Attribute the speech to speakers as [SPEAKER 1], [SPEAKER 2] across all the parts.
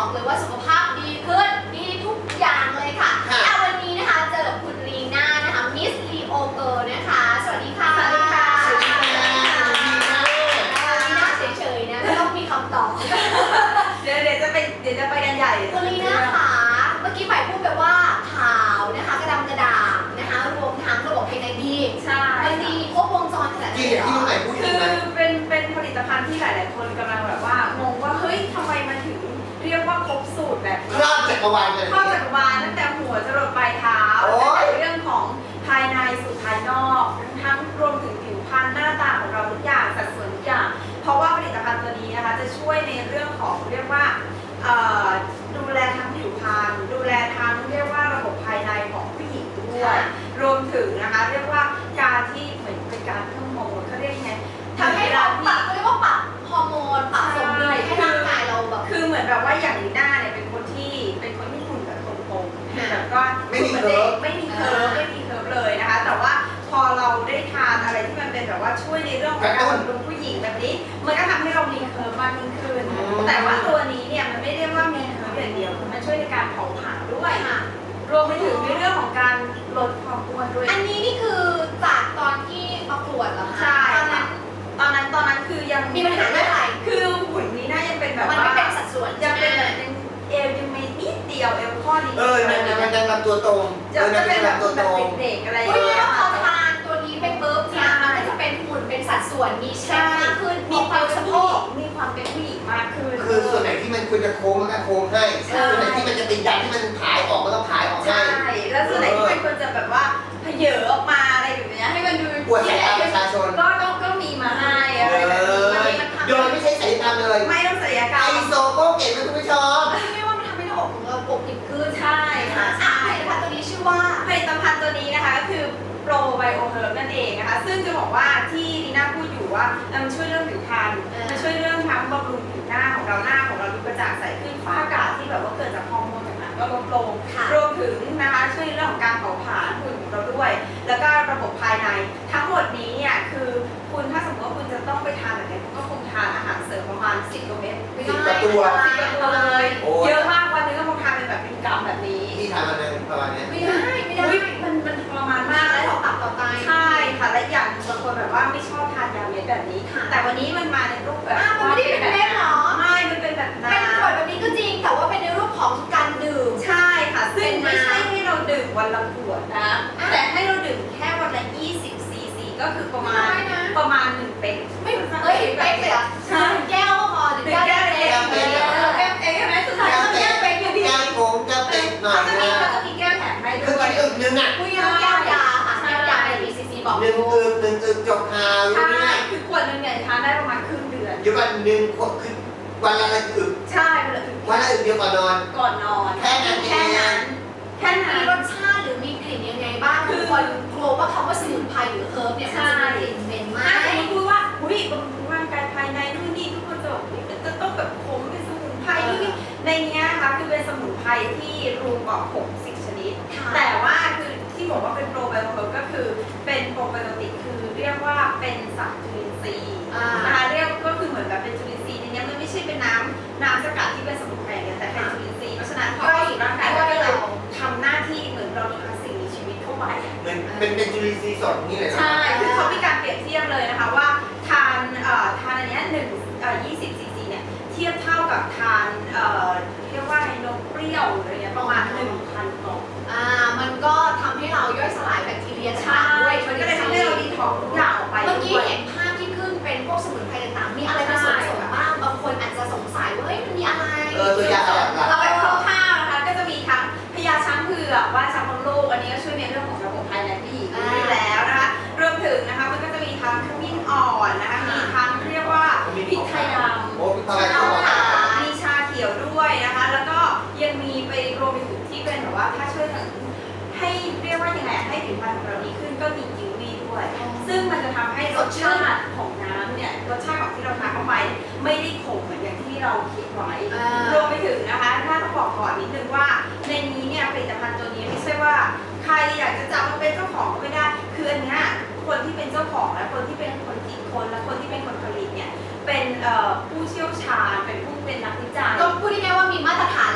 [SPEAKER 1] บอกเลยว่าสุขภาพดีขึ้นดีทุกอย่างเลยค่ะวันนี้นะคะเจอกับคุณลีน่านะคะมิสลีโอเกิร์ลนะคะสวัสดีค่ะสวัสดีค่ะลีน่าเฉยๆนะไม่ต้องมีคำตอบ
[SPEAKER 2] เดี๋ยวจะไปกันใหญ่
[SPEAKER 1] คุณลีน่าค่ะเมื่อกี้ฝ่ายพูดแบบว่าขาวนะคะกระดำกระด่างนะคะรวมทั้งระบบภายในดี
[SPEAKER 2] ใช่
[SPEAKER 1] มันดีครบวงจรขนาดนี้
[SPEAKER 2] คือเป็นผลิตภัณฑ์ที่หลายๆคนกำลังแบบว่างงว่าเฮ้ยทำไมมันถึงเรียกว่าครบสูตรแบบ
[SPEAKER 3] ครอบจักรวาลเลย
[SPEAKER 2] ครอบจักรวาลตั้งแต่หัวจรดปลายเท้าตั้งแต่เรื่องของภายในสู่ภายนอกทั้งรวมถึงผิวพรรณหน้าตาของเราทุกอย่างสัดส่วนทุกอย่างเพราะว่าผลิตภัณฑ์ตัวนี้นะคะจะช่วยในเรื่องของเรียกว่าดูแลทั้งผิวพรรณดูแลทั้งเรียกว่าระบบภายในของผู้หญิงด้วยรวมถึงนะคะเรียกว่าการที่เหมือนเป็นการเพิ่มฮอร์โมนเขาเรียกยังไง
[SPEAKER 1] ทำให้เราปรับเรียกว่าปรับฮอร์โมนปรับสมดุลให้ร่างกายเราแบบ
[SPEAKER 2] คือเหมือนแบบว่าอย่างลีน่าเนี่ยเป็นคนที่หุ่นแบบตรงๆแบบก็
[SPEAKER 3] ไม่มีเคิร์ฟ
[SPEAKER 2] ไม่มีเคิร์ฟเลยนะคะแต่ว่าพอเราได้ทานอะไรที่มันเป็นแบบว่าช่วยในเรื่องของการบำรุงผู้หญิงแบบนี้มันก็ทำให้เรามีเคิร์ฟมากยิ่งขึ้นแต่ว่าตัวนี้เนี่ยมันไม่ได้ว่ามีเคิร์ฟอย่างเดียวมันช่วยในการเผาผลาญด้วยรวมไปถึงในเรื่องของการลดความอ้วนด้วย
[SPEAKER 1] อันนี้นี่คือจากตอนที่ประกวดเหรอคะ
[SPEAKER 2] ใช่ตอนนั้นคือยัง
[SPEAKER 1] มีปัญหาเรื่องอะไร
[SPEAKER 2] คือหุ่นนี้น่ายังเป็นแบบ
[SPEAKER 1] มันไม่เป็นสัดส่วน
[SPEAKER 2] ยังเป็นแบบเอวยังไม่นิดเดียวเอวข้อนี้
[SPEAKER 3] มันยังลำตัวตรง
[SPEAKER 2] จะเป็นแบบตัวเด็กๆอะไรอย่างเงี้ย
[SPEAKER 1] พอทานตัวนี้ไปปุ๊บเนี่ยมันก็จะเป็นหุ่นเป็นสัดส่วนมีเชฟมากขึ้น
[SPEAKER 2] มีความสะโพกมีความเป็นผู้หญิงมากขึ้น
[SPEAKER 3] คือส่วนไหนที่มันควรจะโค้งมันก็โค้งให้ส่วนไหนที่มันจะติดยันที่มันผายออกก็ต้องผายออกให้
[SPEAKER 2] ใช่แล้วส่วนไหนที่มันควรจะแบบว่าเผยออกมาอะไรแบบนี้ให้มันดู
[SPEAKER 3] ปวดสายตาประชาชน
[SPEAKER 2] ก็มีมาให้อะไรแบบนี้
[SPEAKER 3] โดยไม่ใช่ศัลยกรรมเลย
[SPEAKER 2] ไม่ต้องศัลยกรรม
[SPEAKER 3] ไอโซโก้เก่งนะคุณผู้ชม
[SPEAKER 1] ไม่ว่ามันทำให้หน้าอกของเราปกปิดขึ้น
[SPEAKER 2] ใช่ค่ะ
[SPEAKER 1] ผลิตภัณฑ์ตัวนี้ชื่อว่า
[SPEAKER 2] ผลิตภัณฑ์ตัวนี้นะคะก็คือโปรไบโอเฮิร์บนั่นเองนะคะซึ่งจะบอกว่าที่ลีน่าพูดอยู่ว่ามันช่วยเรื่องผิวพรรณมันช่วยเรื่องทั้งบำรุงผิวหน้าของเราดูกระจ่างใสขึ้นฝ้ากระที่แบบว่าเกิดจากฮอร์โมนต่างๆก็ลดลงรวมถึงนะคะช่วยเรื่องของการเผาผลาญหุ่นของเราด้วยแล้วก็ระบบภายในทั้งหมดนี้เนี่ยคือคุณถ้าสมมติว่าคุณจะต้องไปทานแบบนี้คุณก็คงทานอาหารเสริมประมาณ10 กว่าเม็ด
[SPEAKER 3] 10 ตัว
[SPEAKER 2] เลยเยอะมากวันนึงก็คงทานเป็นแบบเป็นกรัมแบบนี้
[SPEAKER 3] ที่ทานมันประมาณนี้
[SPEAKER 1] ไม่ได้
[SPEAKER 2] มันทรมานมาก
[SPEAKER 1] แล้วตับต่อไต
[SPEAKER 2] ใช่ค่ะและอย่างบางคนแบบว่าไม่ชอบทานยาเม็ดแบบนี้แต่วันนี้มันมาในรูปแบบ
[SPEAKER 1] มันไม่ได้เป็นเม็ดหรอ
[SPEAKER 2] ไม่มันเป็นแบบน้ำ
[SPEAKER 1] เป็นขวดแบบนี้ก็จริงแต่ว่าเป็นในรูปของการดื่ม
[SPEAKER 2] ใช่ค่ะซึ่งไม่ใช่ให้เราดื่มวันละขวดนะแต่ให้เราดื่มแค่วันละ20 ซีซีก็คือประมาณ1 เป๊ก
[SPEAKER 1] ไม่เป๊กเลยอ่ะใช่แก้วก็พอ
[SPEAKER 2] 1 แก้วเล็กแก้วเป๊กใช่ไหมสุดท้ายก็แก้วเป๊กอยู่ดี
[SPEAKER 3] แก้วโค้งแก้วเป๊กหน่อย
[SPEAKER 2] นะจะมีแก้วแถมให้ด้วย
[SPEAKER 3] คือกินนึงอ่ะ
[SPEAKER 1] แก้วยาค่ะแก้วยาในซีซีบอก
[SPEAKER 3] 1 อึกจบหา
[SPEAKER 2] ใช่คือขวดนึงเนี่ยทานได้ประมาณครึ่งเดือน
[SPEAKER 3] อยู่วัน1 ขวดคือวันละอึก
[SPEAKER 2] ใช่
[SPEAKER 3] วันละอึกเดียวก่อนนอนแค่นั้น
[SPEAKER 1] มีรสชาติหรือมีกลิ่นยังไงบ้างคือคนกลัวว่าคำว่าสมุนไพรหรือเฮิร์บเนี่ยมันจะมีกลิ่นเหม็นมาก
[SPEAKER 2] ถ้าสมมติพูดว่าบำรุงร่างกายภายในนู่นนี่ทุกคนจะบอกจะต้องแบบขมเป็นสมุนไพรนี่ในนี้นะคะคือเป็นสมุนไพรที่รวมกว่า60 ชนิดแต่ว่าคือที่บอกว่าเป็นโปรไบโอติกก็คือเป็นโปรไบโอติกคือเรียกว่าเป็นสารจุลินทรีย์นะคะเรียกก็คือเหมือนแบบเป็นจุลินทรีย์ในนี้มันไม่ใช่เป็นน้ำสกัดที่เป็นสมุนไพรแต่เป็นจุลินทรีย์เพราะฉะนั้นพอเข้าสู่ร่างกายก็เลยทำหน้าที่เหมือนเราทานสิ่งมีชีวิตเข้าไป
[SPEAKER 3] เป็นจุลินทรีย์สดนี่เลย
[SPEAKER 2] ใช่คือเขามีการเปรียบเทียบเลยนะคะว่าทานอันนี้20 ซีซีเนี่ยเทียบเท่ากับทานเรียกว่าไนมเปรี้ยวอะไรเงี้ยประมาณ 1,000 กล่อง
[SPEAKER 1] มันก็ทำให้เราย่อยสลายแบคทีเรีย
[SPEAKER 2] ช้าด้วยมันก็เลยทำให้เราดีท็อกซ์ทุกอย่างออกไป
[SPEAKER 1] เมื่อกี้เห็นภาพที่ขึ้นเป็นพวกสมุนไพรต่างๆมีอะไรผสมบ้างบางคนอาจจะสงสัยว่าเฮ้ยมันมีอะไร
[SPEAKER 3] ตัวอย่าง
[SPEAKER 2] เราแบบคร่าวๆนะคะก็จะมีทั้งพญาช้างเผือกว่าช้างมดลูกอันนี้ก็ช่วยในเรื่องของระบบภายในผู้หญิงอยู่แล้วนะคะรวมถึงนะคะมันก็จะมีทั้งขมิ้นอ่อนนะคะมีทั้งเรียกว่าพริกไทยดำมีชาเขียวด้วยนะคะแล้วก็ยังมีไปรวมไปถึงที่เป็นแบบว่าถ้าช่วยถึงให้เรียกว่ายังไงให้ผิวพรรณของเราดีขึ้นก็มีกิววีด้วยซึ่งมันจะทำให้รสชาติของน้ำเนี่ยรสชาติของที่เราทานเข้าไปไม่ได้ขมเหมือนอย่างที่เราคิดไว้รวมไปถึงนะคะถ้าต้องบอกก่อนนิดนึงว่าในนี้เนี่ยผลิตภัณฑ์ตัวนี้ไม่ใช่ว่าใครอยากจะจับมาเป็นเจ้าของก็ไม่ได้คืออันนี้คนที่เป็นเจ้าของและคนที่เป็นคนคิดค้นและคนที่เป็นคนผลิตเนี่ยเป็นผู้เชี่ยวชาญเป็นผู้เป็นนักวิจัย
[SPEAKER 1] ก็พูดง่ายๆว่ามีมาตรฐาน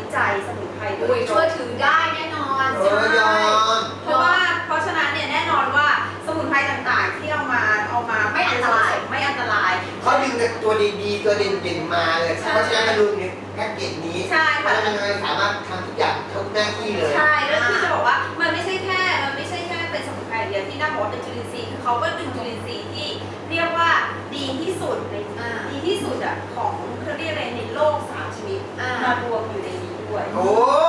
[SPEAKER 2] จัยสมุนไพรโดยต
[SPEAKER 1] ช่
[SPEAKER 2] ร
[SPEAKER 1] วย
[SPEAKER 2] ง
[SPEAKER 1] ถือได้แน่นอน
[SPEAKER 3] ยอม
[SPEAKER 2] เพราะฉะนั้นเนี่ยแน่นอนว่าสมุนไพรต่างๆที่เอามาไม่อันตราย
[SPEAKER 3] เขาดึงแต่ตัวดีๆตัวเด่นๆมาเลยเพราะฉะนั้นมันรวมในแพ็กเกจนี้
[SPEAKER 2] ใช่
[SPEAKER 3] เพราะ
[SPEAKER 2] ค่ะ
[SPEAKER 3] ฉะนั้นมันสามารถทำทุกอย่างทุกหน้าที่เลย
[SPEAKER 2] ใช่แล้วคือจะบอกว่ามันไม่ใช่แค่เป็นสมุนไพรเดียวที่น่าบอกว่าเป็นจุลินทรีย์คือเขาก็ดึงจุลินทรีย์ที่เรียกว่าดีที่สุดของเขาเรียกอะไรในโลก3 ชนิดมารวมอยู่ในนี้ด้วย
[SPEAKER 3] โอ้